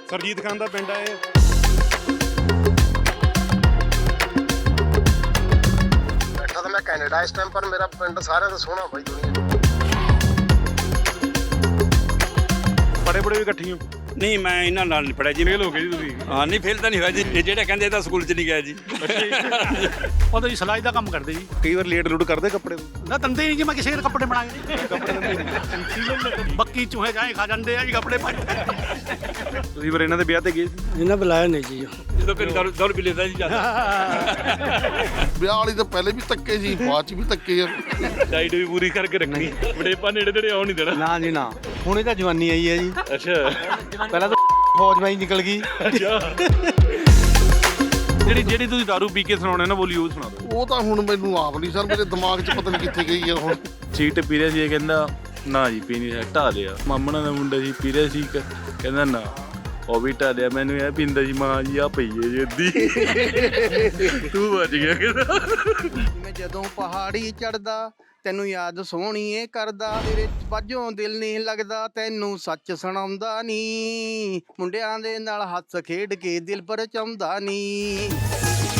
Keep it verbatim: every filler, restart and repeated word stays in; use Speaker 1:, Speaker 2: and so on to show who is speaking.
Speaker 1: ਸਰਜੀਤ ਖਾਨ ਦਾ ਪਿੰਡ ਆ ਇਹ।
Speaker 2: ਬੈਠਾ ਤਾਂ ਮੈਂ ਕੈਨੇਡਾ ਇਸ ਟਾਈਮ, ਪਰ ਮੇਰਾ ਪਿੰਡ ਸਾਰਿਆਂ ਤੋਂ ਸੋਹਣਾ ਬਾਈ ਦੁਨੀਆ 'ਚ।
Speaker 1: ਬੜੇ ਬੜੇ ਵੀ ਇਕੱਠੀ ਹੋ?
Speaker 3: ਨਹੀਂ, ਮੈਂ ਇਹਨਾਂ ਨਾਲ ਨਹੀਂ ਪੜਿਆ ਜੀ।
Speaker 1: ਫੇਲ ਹੋ ਗਏ ਜੀ ਤੁਸੀਂ?
Speaker 3: ਹਾਂ, ਨਹੀਂ ਫੇਲ ਤਾਂ ਨਹੀਂ ਹੋਇਆ ਜੀ। ਇਹ ਜਿਹੜੇ ਕਹਿੰਦੇ ਇਹ ਤਾਂ ਸਕੂਲ 'ਚ ਨਹੀਂ ਗਿਆ ਜੀ।
Speaker 4: ਉਹ ਤਾਂ ਜੀ ਸਿਲਾਈ ਦਾ ਕੰਮ ਕਰਦੇ ਜੀ।
Speaker 1: ਕਈ ਵਾਰ ਲੇਟ ਲੂਟ ਕਰਦੇ ਕੱਪੜੇ
Speaker 4: ਨਾ ਤੰਦੇ ਨਹੀਂ ਜੀ, ਮੈਂ ਕਿਸੇ ਦੇ ਕੱਪੜੇ ਬਣਾਏ ਕੱਪੜੇ ਬੱਕੀ ਚੂਹੇ ਜਾਏ ਖਾ ਜਾਂਦੇ ਆ ਜੀ ਕੱਪੜੇ ਪਾਏ।
Speaker 1: ਤੁਸੀਂ ਫਿਰ ਇਹਨਾਂ ਦੇ ਵਿਆਹ ਤੇ ਗਏ ਸੀ?
Speaker 4: ਇਹਨਾਂ ਬੁਲਾਇਆ ਨਹੀਂ ਜੀ।
Speaker 3: ਜਦੋਂ ਕੋਈ ਦੌੜ ਦੌੜ ਵੀ ਲੈਂਦਾ ਜੀ ਜਾਂਦਾ।
Speaker 5: ਵਿਆਹ ਵਾਲੀ ਤਾਂ ਪਹਿਲੇ ਵੀ ਧੱਕੇ ਸੀ, ਬਾਅਦ ਚ ਵੀ ਧੱਕੇ ਆ।
Speaker 3: ਡਾਈਟ ਵੀ ਪੂਰੀ ਕਰਕੇ ਰੱਖਣੀ, ਵਡੇਪਾ ਨੇੜੇ ਨੇੜੇ ਆਉਣ ਨਹੀਂ ਦੇਣਾ।
Speaker 6: ਨਾ ਜੀ ਨਾ, ਹੁਣੇ ਤਾਂ ਜਵਾਨੀ ਆਈ ਹੈ ਜੀ।
Speaker 3: ਅੱਛਾ,
Speaker 6: ਪਹਿਲਾਂ ਤਾਂ ਫੌਜ ਮੈਂ ਹੀ ਨਿਕਲ ਗਈ।
Speaker 1: ਜਿਹੜੀ ਜਿਹੜੀ ਤੁਸੀਂ ਦਾਰੂ ਪੀ ਕੇ ਸੁਣਾਉਣੇ ਨਾ ਬੋਲੀ ਉਹ ਸੁਣਾ ਦਿਓ।
Speaker 5: ਉਹ ਤਾਂ ਹੁਣ ਮੈਨੂੰ ਆਪ ਨਹੀਂ ਸਰ, ਮੇਰੇ ਦਿਮਾਗ 'ਚ ਪਤਾ ਨਹੀਂ ਕਿੱਥੇ ਗਈ ਆ ਹੁਣ।
Speaker 7: ਸੀਟ ਪੀ ਰਿਹਾ ਸੀ, ਇਹ ਕਹਿੰਦਾ ਨਾ ਜੀ ਪੀਣੀ ਹੈ, ਢਾ ਲਿਆ। ਮਾਮਣਾ ਦਾ ਮੁੰਡਾ ਸੀ, ਪੀ ਰਿਹਾ ਸੀ, ਕਹਿੰਦਾ ਨਾ ਉਹ ਵੀ ਢਾ ਲਿਆ। ਮੈਨੂੰ ਇਹ ਪੀਂਦਾ ਸੀ, ਮਾਂ ਜੀ ਆ ਪਈ ਹੈ ਜੀ ਅੱਧੀ। ਤੂੰ ਬਚ ਗਿਆ ਕਹਿੰਦਾ।
Speaker 6: ਮੈਂ ਜਦੋਂ ਪਹਾੜੀ ਚੜਦਾ ਤੈਨੂੰ ਯਾਦ ਸੋਹਣੀਏ ਕਰਦਾ, ਤੇਰੇ ਬਾਝੋਂ ਦਿਲ ਨਹੀਂ ਲੱਗਦਾ, ਤੈਨੂੰ ਸੱਚ ਸੁਣਾਉਂਦਾ ਨੀ, ਮੁੰਡਿਆਂ ਦੇ ਨਾਲ ਹੱਸ ਖੇਡ ਕੇ ਦਿਲ ਪਰਚਾਉਂਦਾ ਨੀ।